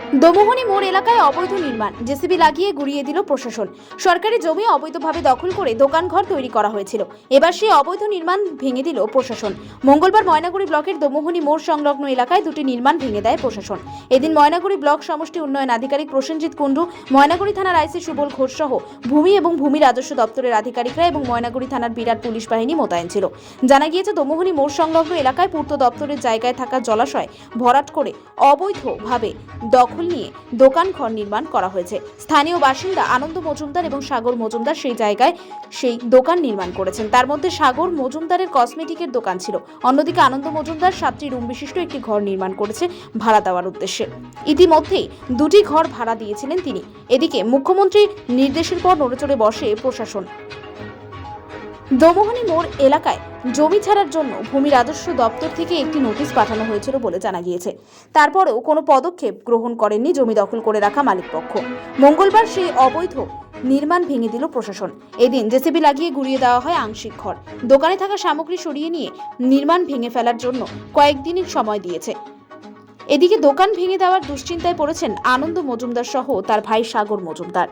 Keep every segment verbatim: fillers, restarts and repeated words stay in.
দমোহনী মোড় এলাকায় অবৈধ নির্মাণ, জেসিবি লাগিয়ে গুড়িয়ে দিল প্রশাসন। সরকারি জমি অবৈধভাবে দখল করে দোকানঘর তৈরি করা হয়েছিল। এবার সেই অবৈধ নির্মাণ ভেঙে দিল প্রশাসন। মঙ্গলবার ময়নাগুড়ি ব্লকের দমোহনী মোড় সংলগ্ন এলাকায় দুটি নির্মাণ ভেঙে দেয় প্রশাসন। এদিন ময়নাগুড়ি ব্লক সমষ্টি উন্নয়ন আধিকারিক প্রসেনজিৎ কুণ্ডু, ময়নাগুড়ি থানার আইসি সুবল ঘোষ সহ ভূমি এবং ভূমি রাজস্ব দপ্তরের আধিকারিকরা এবং ময়নাগুড়ি থানার বিরাট পুলিশ বাহিনী মোতায়েন ছিল। জানা গিয়েছে, দমোহনী মোড় সংলগ্ন এলাকায় পূর্ত দপ্তরের জায়গায় থাকা জলাশয় ভরাট করে অবৈধভাবে দখল নিয়ে দোকান ঘর নির্মাণ করা হয়েছে। স্থানীয় বাসিন্দা আনন্দ মজুমদার এবং সাগর মজুমদার সেই জায়গায় সেই দোকান নির্মাণ করেছেন। তার মধ্যে সাগর মজুমদারের কসমেটিকের দোকান ছিল। অন্যদিকে আনন্দ মজুমদার সাতটি রুম বিশিষ্ট একটি ঘর নির্মাণ করেছে ভাড়া দেওয়ার উদ্দেশ্যে। ইতিমধ্যেই দুটি ঘর ভাড়া দিয়েছিলেন তিনি। এদিকে মুখ্যমন্ত্রীর নির্দেশের পর নড়েচড়ে বসে প্রশাসন। দমোহনী মোড় এলাকায় জমি ছাড়ার জন্য ভূমি রাজস্ব দপ্তর থেকে একটি নোটিশ পাঠানো হয়েছিল বলে জানা গিয়েছে। তারপরেও কোনো পদক্ষেপ গ্রহণ করেননি জমি দখল করে রাখা মালিকপক্ষ। মঙ্গলবার সেই অবৈধ নির্মাণ ভেঙে দিল প্রশাসন। এদিন জেসিবি লাগিয়ে গুড়িয়ে দেওয়া হয় আংশিক ঘর। দোকানে থাকা সামগ্রী সরিয়ে নিয়ে নির্মাণ ভেঙে ফেলার জন্য কয়েকদিনের সময় দিয়েছে। এদিকে দোকান ভেঙে দেওয়ার দুশ্চিন্তায় পড়েছেন আনন্দ মজুমদার সহ তার ভাই সাগর মজুমদার।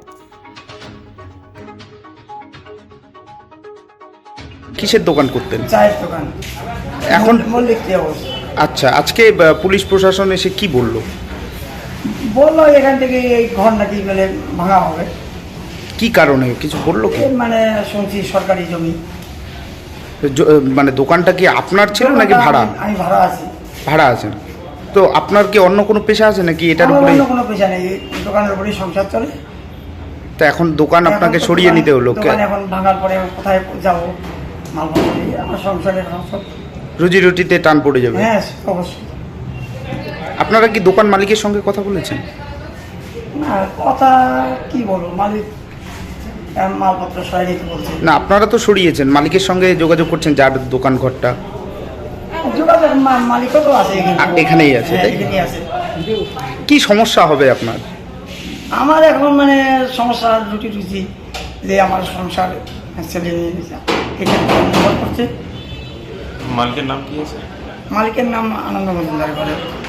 কিসের দোকান করতেন? চায়ের দোকান। এখন মল্লিক হাউস। আচ্ছা, আজকে আহ, পুলিশ প্রশাসন এসে কি বললো? বললো এখান থেকে এই ঘর নাকি বলে ভাঙা হবে। কি কারণে কিছু বললো কি? এই মানে শুনছি সরকারি জমি। জ- আহ, মানে দোকানটা কি আপনার ছিল নাকি ভাড়া? আমি ভাড়া আছি। ভাড়া আছেন তো আপনার কি অন্য কোনো পেশা আছে নাকি এটার আমার উপরে? অন্য কোনো পেশা নেই, এই দোকানের উপরেই সংসার চলে। তো এখন দোকান আপনাকে এখন তো সরিয়ে দোকান- নিতে হলো। দোকান এখন ভাঙার পরে কোথায় যাবো? মালপত্র নিয়ে আমার সংসারে এখন সব। রুজি রুটিতে টান পড়ে যাবে। হ্যাঁ, অবশ্যই। আপনারা কি দোকান মালিকের সঙ্গে কথা বলেছেন? না, কথা কি বলবো, মালিক এখন মালপত্র সরাই নিতে বলছে। না, আপনারা তো সরিয়েছেন, মালিকের সঙ্গে যোগাযোগ করছেন যার দোকান ঘরটা। যোগাযোগ মা- মালিকও তো আছে এখানে। আ- এখানেই আছে, হ্যাঁ, তাই? এখানেই আছে। কি সমস্যা হবে আপনার? আমার এখন মানে সমস্যা রুটি রুচি যে আমার সংসার ছেলে মেয়ে এখানে নির্ভর করছে। মালিকের নাম কি আছে? মালিকের নাম আনন্দ মজুমদার করে।